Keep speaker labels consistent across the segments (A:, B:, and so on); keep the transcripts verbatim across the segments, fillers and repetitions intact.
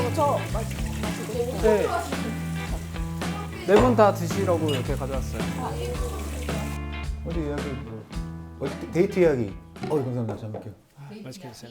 A: 저 마시고
B: 네. 네 분 다 드시라고 이렇게 가져왔어요.
C: 어디 예약을 뭐 어디 데이트 예약이 어 감사합니다. 잘 먹게요.
B: 맛있게 드세요.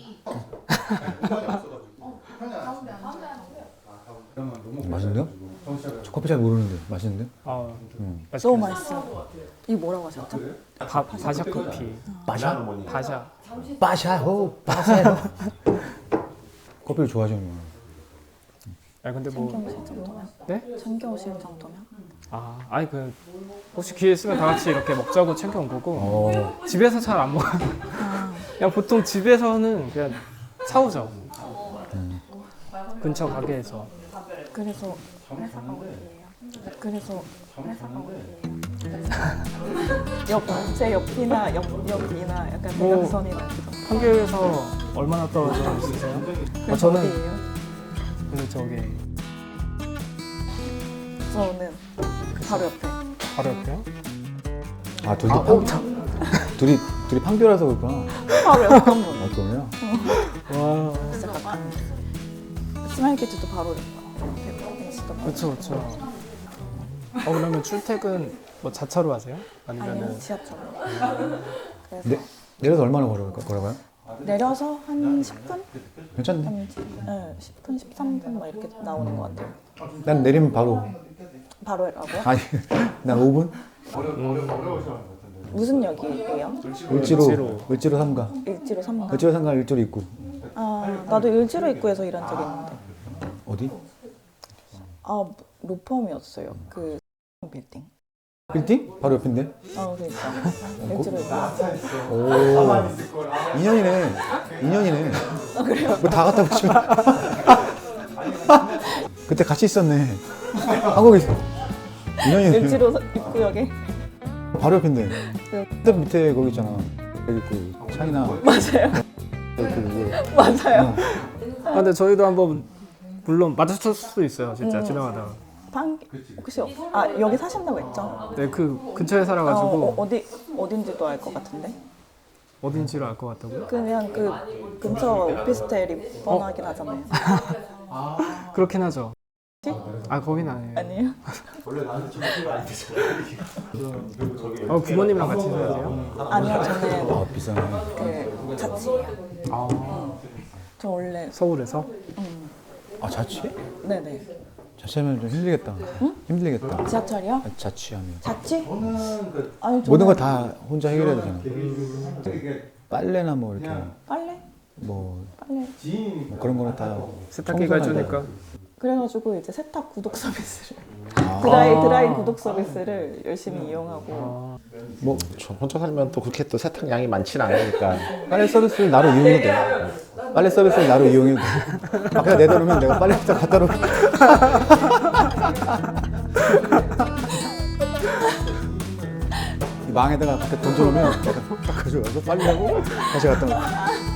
C: 맛있는데요? 저 커피 잘 모르는데 맛있는데?
B: 아,
C: 음.
B: 맛있게
A: 너무
B: 드세요.
A: 맛있어요. 이게 뭐라고 하셨죠?
B: 바, 바샤 커피.
C: 바샤?
B: 바샤.
C: 바샤호 바샤호. 커피를 좋아하시는구나.
B: 아 근데 뭐
A: 챙겨오실 정도면?
B: 네?
A: 챙겨오실 정도면?
B: 아, 아니 그 혹시 기회 있으면 다 같이 이렇게 먹자고 챙겨온 거고
C: 어.
B: 집에서 잘 안 먹어요. 그냥 보통 집에서는 그냥 사오죠.
C: 음.
B: 근처 가게에서.
A: 그래서 회사가 어디예요? 그래서 회사가 어디예요? 옆, 제 옆이나 옆, 옆이나 약간
B: 뭐,
A: 대각선이 나기도.
B: 판교에서 얼마나 떨어져 있으세요?
A: 그래서
B: 아, 저는
A: 어디예요?
B: 그 저기
A: 저는 바로 옆에.
B: 바로 옆에요.
C: 아 둘이
B: 아,
C: 팡,
B: 어, 참.
C: 둘이 둘이 판교라서 그렇구나.
A: 바로 옆에 한 분.
C: 아 그러면?
B: 와,
A: 진짜 가까운. 스마일키즈도 바로 옆에 있었던 거.
B: 그렇죠, 그렇죠. 어 그러면 출퇴근 뭐 자차로 하세요? 아니면은
A: 아니요, 지하철로. 그래서
C: 네, 내려서 얼마나 걸어 걸어가요?
A: 내려서 한 십 분?
C: 괜찮네.
A: 한 네, 십 분, 십삼 분 막 이렇게 나오는 것 같아요.
C: 난 내리면 바로.
A: 바로라고요?
C: 아니, 난 오 분?
A: 무슨 역이에요?
C: 을지로
B: 을지로.
C: 을지로 삼 가.
A: 일지로 삼 가?
C: 을지로 삼 가 을지로 입구.
A: 아, 나도 일지로 입구에서 일한 적이 있는데.
C: 어디?
A: 아, 로펌이었어요. 그 빌딩.
C: 빌딩? 바로 옆인데?
A: 아, 그러니까. 일지로 입구.
C: 오. 인연이네. 인연이네.
A: 아, 그래요?
C: 뭐 다 갖다 붙이면. 그때 같이 있었네. 한국에 있어. 인연이네.
A: 일지로 입구역에.
C: 바로 옆인데. 그때 밑에 거기 있잖아. 여기 그 차이나.
A: 맞아요.
C: 그, 그,
A: 맞아요.
B: 아 근데 저희도 한번 물론 마주쳤을 수도 있어요, 진짜
A: 음.
B: 지나가다가.
A: 방 혹시 어- 아 여기 사신다고 했죠?
B: 네, 그 근처에
A: 어,
B: 살아가지고
A: 어, 어디 어딘지도 알 것 같은데.
B: 어딘지를 알 것 같다고요?
A: 그냥 그 근처 오피스텔이 뻔하긴 하잖아요.
B: 그렇긴 하죠.
A: 혹시?
B: 아 거긴 아니에요.
A: 아니에요?
B: 어 부모님이랑 같이 사세요?
A: 아니요, 저는
C: 아, 비싸네.
A: 그 자취예요.
B: 아
A: 저 원래
B: 서울에서?
A: 음,
C: 아, 자취?
A: 네네.
C: 자취하면 좀 힘들겠다. 힘들겠다.
A: 지하철이요?
C: 아, 자취하면.
A: 자취? 아니 저는
C: 모든 걸 다 혼자 해결해야 되잖아. 빨래나 뭐 이렇게
A: 빨래?
C: 뭐,
A: 빨래.
C: 뭐 그런 거는 다
B: 세탁기가
C: 청소나
B: 해주니까.
A: 그래가지고 이제 세탁 구독 서비스를
C: 아.
A: 드라이 드라이 구독 서비스를 열심히 이용하고.
B: 아,
D: 뭐 저 혼자 살면 또 그렇게 또 세탁량이 많지는 않으니까
C: 빨래 서비스를 나로 이용해도 돼. 빨래 서비스를 나로 이용해도 돼. 아, 그냥 내려놓으면 내가 빨래부터 갖다 놓고. 이 망에다가 갖다 던져놓으면 내가 딱 가져가서 빨래하고 다시 갖다 놓고.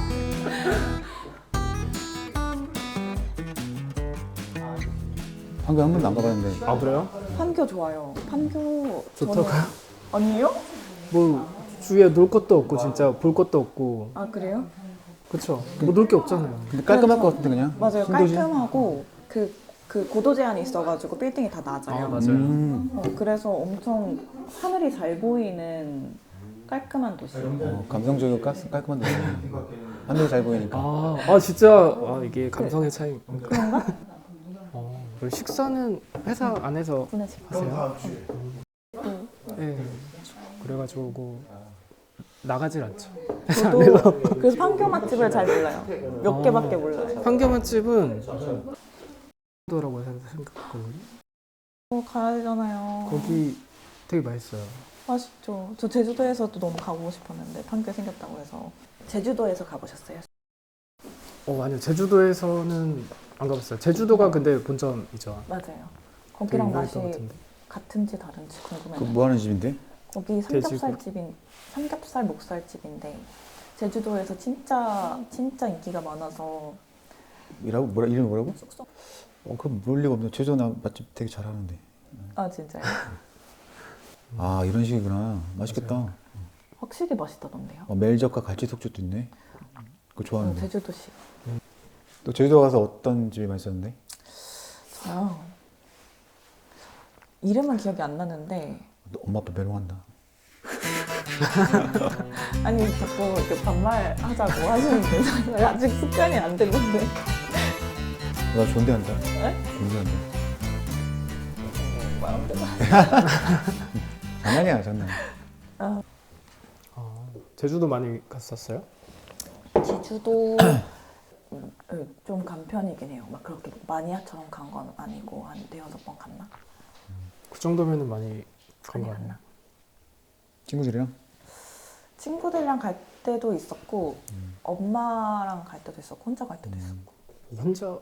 C: 방금 한 번도 안 가봤는데.
B: 아 그래요?
A: 판교 좋아요. 판교
B: 좋다고요?
A: 저는- 아니요?
B: 뭐 주위에 놀 것도 없고 진짜 볼 것도 없고
A: 아 그래요?
B: 그쵸? 뭐 놀 게 없잖아요.
C: 근데 깔끔할 것 같은데 그냥?
A: 맞아요.
C: 신도시?
A: 깔끔하고 그, 그 고도 제한이 있어가지고 빌딩이 다 낮아요.
B: 아 맞아요.
C: 음,
A: 어, 그래서 엄청 하늘이 잘 보이는 깔끔한 도시예요.
C: 어, 감성적이고 깔, 깔끔한 데네. 하늘이 잘 보이니까.
B: 아, 아 진짜 아, 이게 감성의 차이.
A: 그런가?
B: 어, 그리고 식사는 회사 안에서
A: 보내실
B: 하세요?
A: 음.
B: 네. 그래가지고 나가질 않죠.
A: 저도 그래서 판교 맛집을 잘 몰라요. 몇
B: 아.
A: 개밖에 몰라요.
B: 판교 맛집은 도라고 생각했거든요.
A: 어, 가야 되잖아요.
B: 거기 되게 맛있어요.
A: 맛있죠. 저 제주도에서도 너무 가보고 싶었는데 판교 생겼다고 해서. 제주도에서 가보셨어요?
B: 어 아니요, 제주도에서는 안 가봤어요. 제주도가 근데 본점이죠.
A: 맞아요.
B: 되게
A: 거기랑
B: 유명했던
A: 맛이
B: 것 같은데.
A: 같은지 다른지
C: 그
A: 궁금해요.
C: 뭐 하는 집인데?
A: 거기 삼겹살집인 삼겹살 목살집인데 제주도에서 진짜 진짜 인기가 많아서.
C: 이라고? 뭐라, 이름이 뭐라고?
A: 쏙쏙.
C: 어, 그럼 모를 리가 없네. 제주도 나 맛집 되게 잘하는데.
A: 아 진짜요?
C: 아, 이런 식이구나. 맛있겠다.
A: 확실히 맛있다던데요.
C: 어, 멜젓과 갈치 속젓도 있네. 그거
A: 어,
C: 좋아하는데.
A: 제주도식.
C: 또 제주도 가서 어떤 집이 맛있었는데?
A: 아, 이름은 기억이 안 나는데
C: 너 엄마 아빠 메롱한다.
A: 아니 자꾸 이렇게 반말하자고 하시는데 저는 아직 습관이 안 됐는데
C: 나 존대한다.
A: 네?
C: 존대한다.
A: 마음대로
C: 장난이야 장난.
B: 아, 제주도 많이 갔었어요?
A: 제주도 음, 좀 간 편이긴 해요. 막 그렇게 마니아처럼 간 건 아니고 한 대여섯 번 갔나?
B: 그 정도면은 많이 간
A: 많이
B: 거 아니에요?
A: 갔나?
C: 친구들이랑?
A: 친구들이랑 갈 때도 있었고
C: 음.
A: 엄마랑 갈 때도 있었고 혼자 갈 때도 있었고
B: 혼자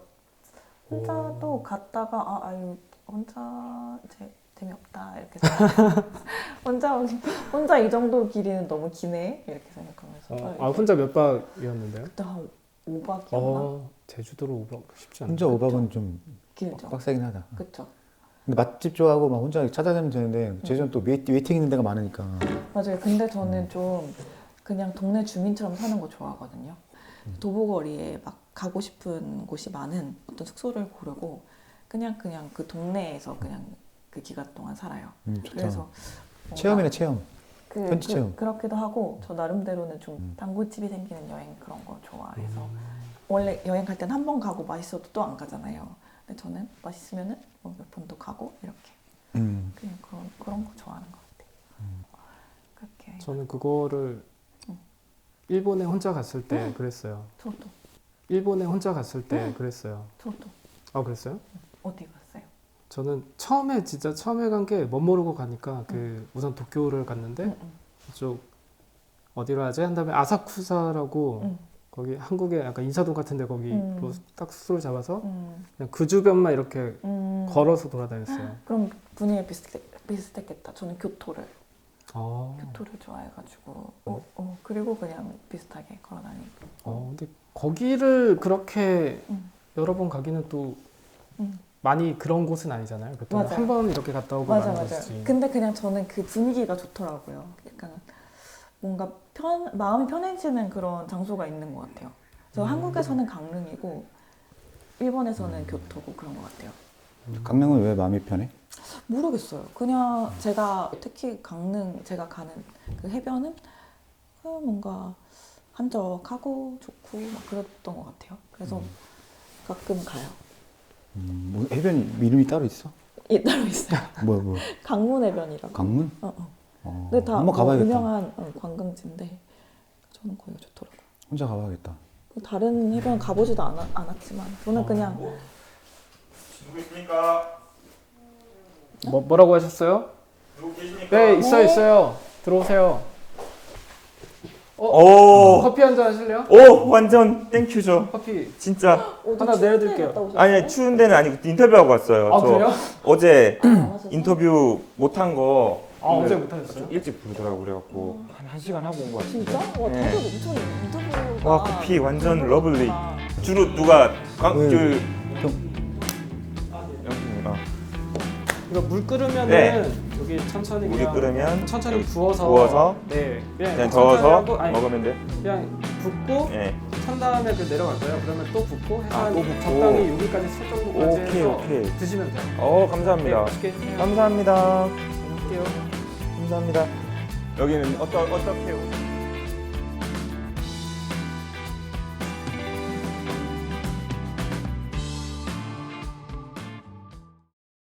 A: 혼자도 갔다가 아 아유 혼자 제, 재미없다 이렇게 생각. 혼자 혼자 이 정도 길이는 너무 기네 이렇게 생각하면서
B: 어, 아 혼자 몇 박이었는데요?
A: 그때 한 오 박이었나?
B: 어 제주도로 오 박 쉽지 않네.
C: 혼자 오 박은 좀
A: 길죠.
C: 빡세긴 하다.
A: 그쵸.
C: 근데 맛집 좋아하고 막 혼자 찾아다니면 되는데 제주는 또 웨이팅, 웨이팅 있는 데가 많으니까.
A: 맞아요. 근데 저는 좀 그냥 동네 주민처럼 사는 거 좋아하거든요. 도보거리에 막 가고 싶은 곳이 많은 어떤 숙소를 고르고 그냥 그냥 그 동네에서 그냥 그 기간 동안 살아요.
C: 음, 좋다.
A: 그래서 뭔가
C: 체험이네 체험.
A: 그,
C: 현지 체험.
A: 그, 그렇기도 하고 저 나름대로는 좀
C: 음.
A: 단골집이 생기는 여행 그런 거 좋아해서
B: 음.
A: 원래 여행 갈 때는 한 번 가고 맛있어도 또 안 가잖아요. 근데 저는 맛있으면은 뭐 몇 번 더 가고 이렇게
C: 음.
A: 그냥 그런 그런 거 좋아하는 것 같아요. 그렇게
B: 저는 그거를
A: 응.
B: 일본에 혼자 갔을 때 그랬어요.
A: 저도
B: 일본에 혼자 갔을 때 그랬어요.
A: 저도
B: 아 그랬어요?
A: 어디 갔어요?
B: 저는 처음에 진짜 처음에 간 게 멋 모르고 가니까 그 우선 도쿄를 갔는데
A: 응, 응,
B: 이쪽 어디로 하지? 한 다음에 아사쿠사라고
A: 응,
B: 거기 한국에 약간 인사동 같은데 거기로
A: 음.
B: 딱 숙소를 잡아서
A: 응,
B: 그냥 그 주변만 이렇게
A: 응.
B: 걸어서 돌아다녔어요.
A: 그럼 분위기 비슷, 비슷했겠다. 저는 교토를
B: 어,
A: 교토를 좋아해가지고 어, 어, 그리고 그냥 비슷하게 걸어다니고
B: 어, 근데 거기를 그렇게
A: 응.
B: 여러 번 가기는 또
A: 응.
B: 많이 그런 곳은 아니잖아요. 보통
A: 맞아요.
B: 한 번 이렇게 갔다 오고
A: 맞아
B: 마는
A: 맞아.
B: 곳이지.
A: 근데 그냥 저는 그 분위기가 좋더라고요. 약간 뭔가 편 마음이 편해지는 그런 장소가 있는 것 같아요. 저
B: 음.
A: 한국에서는 강릉이고 일본에서는 교토고 그런 것 같아요.
C: 강릉은 왜 마음이 편해?
A: 모르겠어요. 그냥 제가 특히 강릉 제가 가는 그 해변은 그 뭔가 한적하고 좋고 막 그랬던 것 같아요. 그래서 가끔 가요.
C: 음, 뭐 해변 이름이 따로 있어?
A: 예, 따로 있어요.
C: 뭐야 뭐
A: 강문 해변이라고.
C: 강문?
A: 어, 어.
C: 어,
A: 근데 다
C: 한번
A: 뭐
C: 가봐야겠다.
A: 유명한 어, 관광지인데 저는 거기가 좋더라고요.
C: 혼자 가봐야겠다.
A: 다른 해변 가보지도 않아, 않았지만 저는
B: 어.
A: 그냥
E: 누구 있습니까?
B: 뭐, 뭐라고 하셨어요?
E: 누구 계십니까?
B: 네, 있어요, 있어요. 들어오세요.
E: 오,
B: 커피 한 잔 하실래요?
E: 오, 완전 땡큐죠.
B: 커피
E: 진짜.
A: 어디
B: 하나
A: 추운
B: 내려드릴게요.
A: 데 갔다 오셨어요?
E: 아니, 추운 데는 아니고 인터뷰하고 왔어요.
B: 아,
E: 저
B: 그래요?
E: 어제
A: 안 하셨어요?
E: 인터뷰 못한 거
B: 아, 어제 못하셨어요?
E: 좀 일찍 부르더라고 그래갖고 한, 한 시간 하고 온 거 같은데.
A: 진짜? 와
E: 네.
A: 다들 엄청 인터뷰가
E: 와, 커피 완전
A: 너무
E: 러블리.
A: 좋다.
E: 주로 누가 강,
C: 네.
E: 그
C: 형.
E: 영수님, 어.
B: 이거 물 끓으면은
E: 네.
B: 여기 천천히
E: 물이
B: 그냥
E: 끓으면
B: 천천히 부어서
E: 부어서
B: 네 그냥,
E: 그냥
B: 천천히
E: 저어서
B: 하고, 아니,
E: 먹으면 돼.
B: 그냥 붓고
E: 예.
B: 찬 다음에 그 내려갈 거예요. 그러면 또 붓고 해서
E: 아,
B: 한
E: 또 붓고.
B: 적당히 여기까지 살 정도까지
E: 오케이,
B: 해서
E: 오케이.
B: 드시면 돼요.
E: 어,
B: 네,
E: 감사합니다.
B: 맛있게 드세요.
E: 감사합니다.
B: 먹을게요.
E: 감사합니다. 여기는 어떠, 어떻게